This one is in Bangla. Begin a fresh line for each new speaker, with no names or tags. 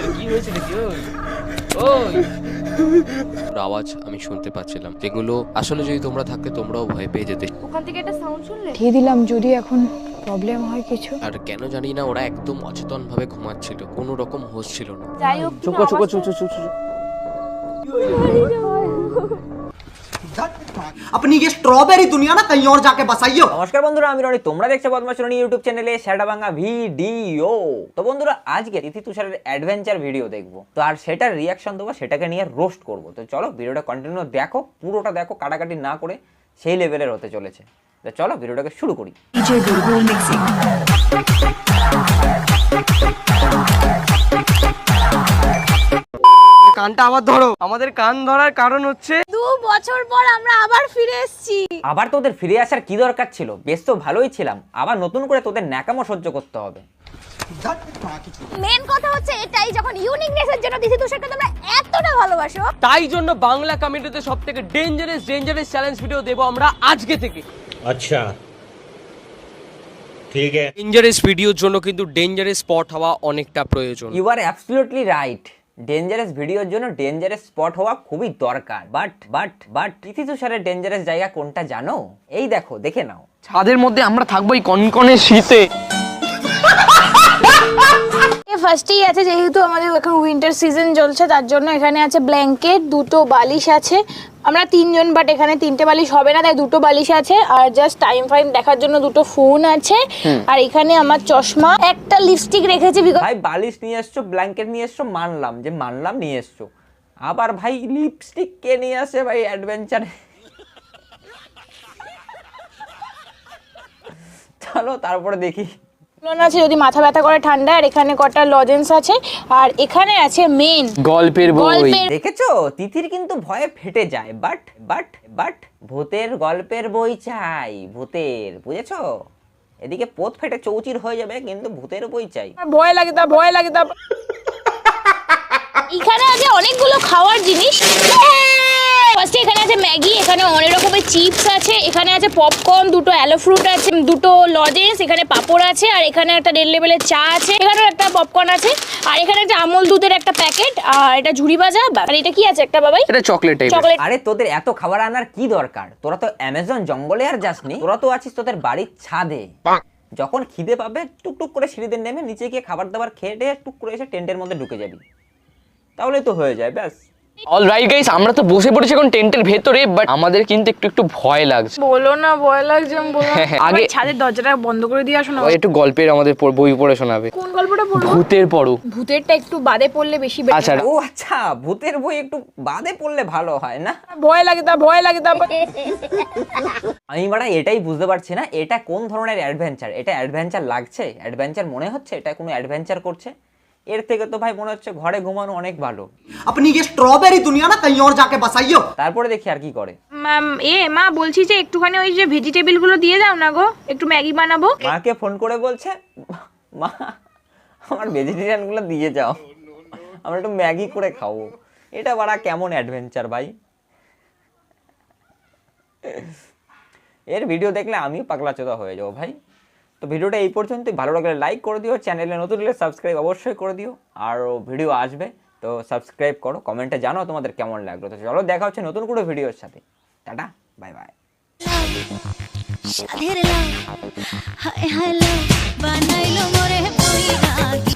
কি হয়েছে নাকি? ওই আওয়াজ আমি শুনতে পাচ্ছিলাম, যেগুলো আসলে যদি তোমরা থাকতে তোমরাও ভয় পেয়ে যেতে।
ওখান থেকে একটা সাউন্ড শুনলে?
দিয়ে দিলাম, যদি এখন প্রবলেম হয় কিছু।
আর কেন জানি না ওরা একদম অচেতন ভাবে ঘুমাচ্ছিল, কোনো রকম হোশ ছিল না।
যাই হোক,
চুকো চুকো চুকো চুকো।
अपनी ये स्ट्रॉबेरी दुनिया ना कहीं और जाके बसाइयो।
নমস্কার বন্ধুরা, আমি রনি, তোমরা দেখছো বদমাশ রনি ইউটিউব চ্যানেলে সেটা ভাঙা ভিডিও। তো বন্ধুরা, আজকে তিথি তুষারের অ্যাডভেঞ্চার ভিডিও দেখবো, তো আর সেটার রিয়াকশন দেবো, সেটাকে নিয়ে রোস্ট করবো। তো চলো ভিডিওটা কন্টিনিউ দেখো, পুরোটা দেখো, কাটাকাটি না করে, সেই লেভেলের হতে চলেছে। তো চলো ভিডিওটাকে শুরু করি।
কানটা আবার ধরো। আমাদের কান ধরার কারণ হচ্ছে
2 বছর পর আমরা আবার ফিরে এসেছি।
আবার তোদের ফিরে আসার কি দরকার ছিল? বেশ তো ভালোই ছিলাম, আবার নতুন করে তোদের ন্যাকামো সহ্য করতে হবে।
মেন কথা হচ্ছে এটাই, যখন ইউনিকনেসের জন্য দিছি তুষারকে তোমরা এতটা ভালোবাসো,
তাই জন্য বাংলা কমিউনিটিতে সবথেকে ডেঞ্জারাস চ্যালেঞ্জ ভিডিও দেবো আমরা আজকে থেকে।
अच्छा ठीक है।
ডেঞ্জারাস ভিডিওর জন্য কিন্তু ডেঞ্জারাস স্পট হওয়া অনেকটা প্রয়োজন।
You are absolutely right. Dangerous ভিডিওর জন্য ডেঞ্জারাস স্পট হওয়া খুবই দরকার। বাট তিথি তুষারের ডেঞ্জারাস জায়গা কোনটা জানো? এই দেখো, দেখে নাও।
ছাদের মধ্যে আমরা থাকবো এই কনকনে শীতে।
ফার্স্টেই আছে, যেহেতু আমাদের এখন উইন্টার সিজন চলছে, তার জন্য এখানে আছে ব্ল্যাঙ্কেট, 2টো বালিশ আছে। আমরা 3 জন, বাট এখানে 3টে বালিশ হবে না, তাই 2টো বালিশ আছে। আর জাস্ট টাইম ফাইম দেখার জন্য 2টো ফোন আছে। আর এখানে আমার চশমা, একটা লিপস্টিক রেখেছি।
ভাই বালিশ নিয়ে এসছো, ব্ল্যাঙ্কেট নিয়ে এসছো, মানলাম নিয়ে এসছো। আবার ভাই লিপস্টিক কে নিয়ে আসে ভাই অ্যাডভেঞ্চারে? চলো তারপরে দেখি।
আছে যদি মাথা ব্যথা করে ঠান্ডা। আর এখানে কটা লজেন্স আছে। আর এখানে আছে মেন
গল্পের বই।
দেখেছো, তিথির কিন্তু ভয়ে ফেটে যায়। বাট ভূতের গল্পের বই চাই, ভূতের, বুঝেছো? এদিকে পোত ফেটে চৌচির হয়ে যাবে, কিন্তু ভূতের বই চাই।
ভয় লাগে তা। এখানে আছে অনেকগুলো খাওয়ার জিনিস। ফার্স্টে এখানে আছে ম্যাগি, এখানে অনেক রকমের চিপস আছে, এখানে আছে পপকর্ন, 2টো অ্যালো ফ্রুট আছে, 2টো লজেন্স, এখানে পাপড় আছে, আর এখানে একটা 1.5 লেভেলের চা আছে, এখানেও একটা পপকর্ন আছে, আর এখানে একটা আমুল দুধের একটা প্যাকেট, আর এটা ঝুড়ি ভাজা। আর এটা কি আছে একটা বাবাই?
এটা চকলেট।
আরে তোদের এত খাবার আনার কি দরকার? তোরা তো অ্যামাজন জঙ্গলে আর যাসনি, তোরা তো আছিস তোদের বাড়ির ছাদে। যখন খিদে পাবে টুকটুক করে সিঁড়িতে নেমে নিচে গিয়ে খাবার দাবার খেয়ে টেয়ে টুক করে এসে টেন্টের মধ্যে ঢুকে যাবি, তাহলে তো হয়ে যায়, ব্যাস।
অলরাইট গাইস, আমরা তো বসে পড়েছি এখন টেন্টের ভেতরে, বাট আমাদের কিন্তু একটু ভয় লাগছে।
বলো না, ভয় লাগছে।
আগে
ছাদের দরজাটা বন্ধ করে দিয়ে আসো না।
একটু গল্পের আমাদের বই পড়ে শোনাবে।
কোন গল্পটা পড়বো?
ভূতের পড়ো।
ভূতেরটা একটু বাদে পড়লে বেশি
আচ্ছা।
ও আচ্ছা, ভূতের বই একটু বাদে পড়লে ভালো হয় না?
ভয় লাগে তা।
আমি বাড়া এটাই বুঝতে পারছি না, এটা কোন ধরনের অ্যাডভেঞ্চার? এটা অ্যাডভেঞ্চার লাগছে? অ্যাডভেঞ্চার মনে হচ্ছে এটা কোনো অ্যাডভেঞ্চার করছে? এর থেকে তো ভাই মনে হচ্ছে ঘরে ঘুমানো অনেক ভালো।
अपनी ये स्ट्रॉबेरी दुनिया ना कहीं और जाके बसाइयो।
তারপরে দেখি আর কি করে।
মা বলছি যে একটুখানি ওই যে ভেজিটেবল গুলো দিয়ে দাও না গো, একটু ম্যাগি বানাবো।
মাকে ফোন করে বলছে, মা আমার ভেজিটেরিয়ান গুলো দিয়ে যাও, আমরা একটু ম্যাগি করে খাবো। এটা বাড়া কেমন অ্যাডভেঞ্চার ভাই? এর ভিডিও দেখলে আমিও পাগলা চোদা হয়ে যাবো ভাই। তো ভিডিওটা এই পর্যন্তই। ভালো লাগলে লাইক করে দিও, চ্যানেলে নতুন হলে সাবস্ক্রাইব অবশ্যই করে দিও। আর ভিডিও আসবে তো সাবস্ক্রাইব করো, কমেন্টে জানাও তোমাদের কেমন লাগলো। তো চলো দেখা হচ্ছে নতুন কোনো ভিডিওর সাথে। Tata, bye bye.
হায় হায় বানাইলো মোরে